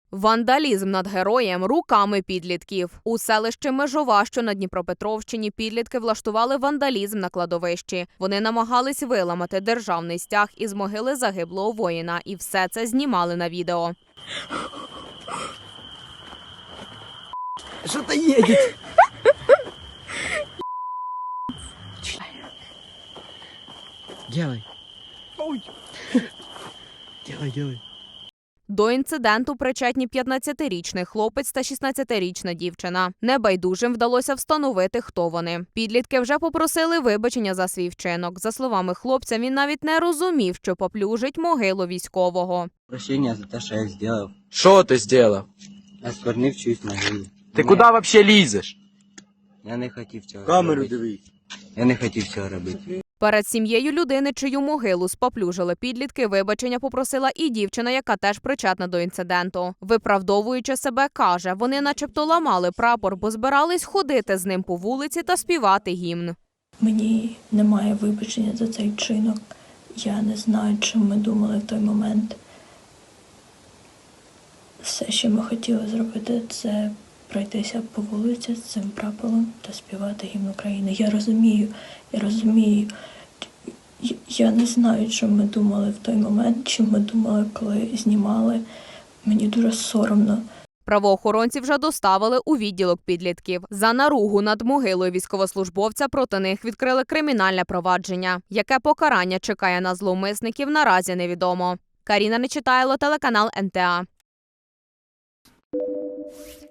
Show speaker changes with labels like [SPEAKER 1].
[SPEAKER 1] Вандалізм над героєм руками підлітків. У селищі Межова, що на Дніпропетровщині, підлітки влаштували вандалізм на кладовищі. Вони намагались виламати державний стяг із могили загиблого воїна. І все це знімали на відео.
[SPEAKER 2] Что-то едет. Делай. Делай.
[SPEAKER 1] До інциденту причетні 15-річний хлопець та 16-річна дівчина. Небайдужим вдалося встановити, хто вони. Підлітки вже попросили вибачення за свій вчинок. За словами хлопця, він навіть не розумів, що поплюжить могилу військового.
[SPEAKER 3] Прощения за то, что я сделал.
[SPEAKER 4] Что ты сделал?
[SPEAKER 3] Осквернив чиюсь могилу.
[SPEAKER 4] Ты куда вообще лезешь?
[SPEAKER 3] Я не хотів цього
[SPEAKER 2] Камеру
[SPEAKER 3] робити.
[SPEAKER 2] дивись.
[SPEAKER 3] Я не хотів цього робити.
[SPEAKER 1] Перед сім'єю людини, чию могилу споплюжили підлітки, вибачення попросила і дівчина, яка теж причетна до інциденту. Виправдовуючи себе, каже, вони начебто ламали прапор, бо збирались ходити з ним по вулиці та співати гімн.
[SPEAKER 5] Мені немає вибачення за цей вчинок. Я не знаю, чим ми думали в той момент. Все, що ми хотіли зробити, це пройтися по вулиці з цим прапором та співати гімн України. Я розумію. Я не знаю, чим ми думали в той момент, чим ми думали, коли знімали. Мені дуже соромно.
[SPEAKER 1] Правоохоронці вже доставили у відділок підлітків. За наругу над могилою військовослужбовця проти них відкрили кримінальне провадження. Яке покарання чекає на зловмисників, наразі невідомо. Каріна Нечитайло, телеканал НТА.